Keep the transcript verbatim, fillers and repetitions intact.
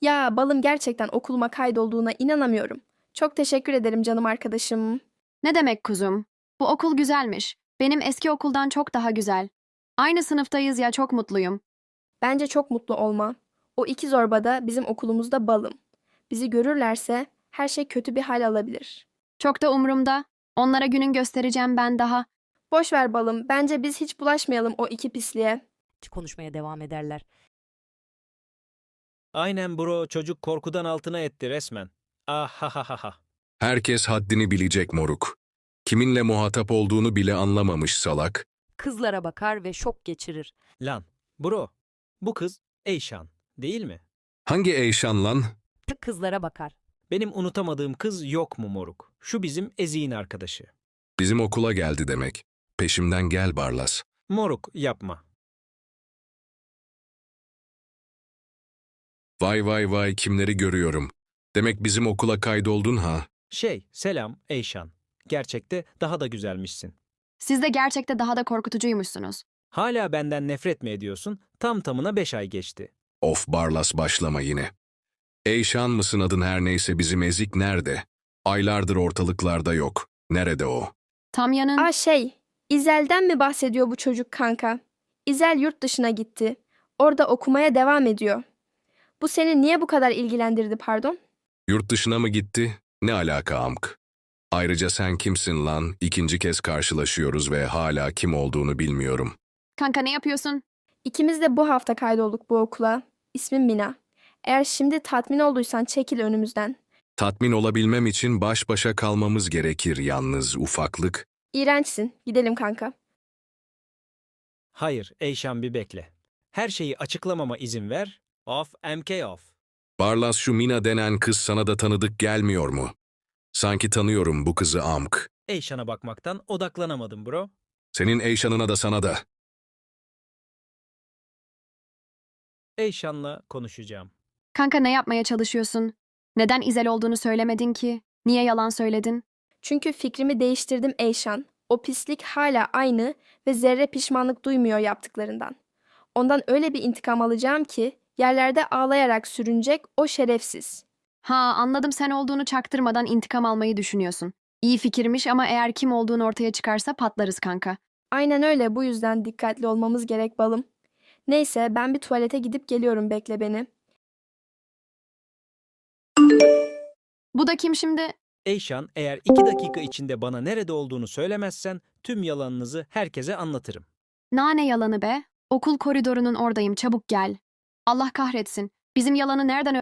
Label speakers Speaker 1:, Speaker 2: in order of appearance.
Speaker 1: Ya balım gerçekten okuluma kaydolduğuna inanamıyorum. Çok teşekkür ederim canım arkadaşım.
Speaker 2: Ne demek kuzum? Bu okul güzelmiş. Benim eski okuldan çok daha güzel. Aynı sınıftayız ya, çok mutluyum.
Speaker 1: Bence çok mutlu olma. O iki zorba da bizim okulumuzda balım. Bizi görürlerse her şey kötü bir hal alabilir.
Speaker 2: Çok da umurumda. Onlara günün göstereceğim ben daha.
Speaker 1: Boş ver balım. Bence biz hiç bulaşmayalım o iki pisliğe.
Speaker 3: Konuşmaya devam ederler.
Speaker 4: Aynen bro, çocuk korkudan altına etti resmen. Ah ha ha ha ha.
Speaker 5: Herkes haddini bilecek moruk. Kiminle muhatap olduğunu bile anlamamış salak.
Speaker 3: Kızlara bakar ve şok geçirir.
Speaker 4: Lan bro, bu kız Eyşan değil mi?
Speaker 5: Hangi Eyşan lan?
Speaker 3: Kızlara bakar.
Speaker 4: Benim unutamadığım kız yok mu moruk? Şu bizim Ezik'in arkadaşı.
Speaker 5: Bizim okula geldi demek. Peşimden gel Barlas.
Speaker 4: Moruk yapma.
Speaker 5: Vay vay vay kimleri görüyorum. Demek bizim okula kaydoldun ha.
Speaker 4: Şey, selam Eyşan. Gerçekte daha da güzelmişsin.
Speaker 2: Siz de gerçekte daha da korkutucuymuşsunuz.
Speaker 4: Hala benden nefret mi ediyorsun? Tam tamına beş ay geçti.
Speaker 5: Of Barlas başlama yine. Eyşan mısın adın her neyse bizim ezik nerede? Aylardır ortalıklarda yok. Nerede o?
Speaker 2: Tamya'nın...
Speaker 1: Aa şey, İzel'den mi bahsediyor bu çocuk kanka? İzel yurt dışına gitti. Orada okumaya devam ediyor. Bu seni niye bu kadar ilgilendirdi pardon?
Speaker 5: Yurt dışına mı gitti? Ne alaka amk? Ayrıca sen kimsin lan? İkinci kez karşılaşıyoruz ve hala kim olduğunu bilmiyorum.
Speaker 2: Kanka ne yapıyorsun?
Speaker 1: İkimiz de bu hafta kaydolduk bu okula. İsmim Mina. Eğer şimdi tatmin olduysan çekil önümüzden.
Speaker 5: Tatmin olabilmem için baş başa kalmamız gerekir yalnız ufaklık.
Speaker 1: İğrençsin. Gidelim kanka.
Speaker 4: Hayır Eyşan, bir bekle. Her şeyi açıklamama izin ver. Off M K off.
Speaker 5: Barlas şu Mina denen kız sana da tanıdık gelmiyor mu? Sanki tanıyorum bu kızı amk.
Speaker 4: Eyşan'a bakmaktan odaklanamadım bro.
Speaker 5: Senin Eyşan'ına da sana da.
Speaker 4: Eyşan'la konuşacağım.
Speaker 2: Kanka ne yapmaya çalışıyorsun? Neden İzel olduğunu söylemedin ki? Niye yalan söyledin?
Speaker 1: Çünkü fikrimi değiştirdim Eyşan. O pislik hala aynı ve zerre pişmanlık duymuyor yaptıklarından. Ondan öyle bir intikam alacağım ki yerlerde ağlayarak sürünecek o şerefsiz.
Speaker 2: Ha, anladım, sen olduğunu çaktırmadan intikam almayı düşünüyorsun. İyi fikirmiş ama eğer kim olduğun ortaya çıkarsa patlarız kanka.
Speaker 1: Aynen öyle, bu yüzden dikkatli olmamız gerek balım. Neyse ben bir tuvalete gidip geliyorum, bekle beni.
Speaker 2: Bu da kim şimdi?
Speaker 4: Eyşan, eğer iki dakika içinde bana nerede olduğunu söylemezsen tüm yalanınızı herkese anlatırım.
Speaker 2: Nane yalanı be. Okul koridorunun oradayım, çabuk gel. Allah kahretsin. Bizim yalanı nereden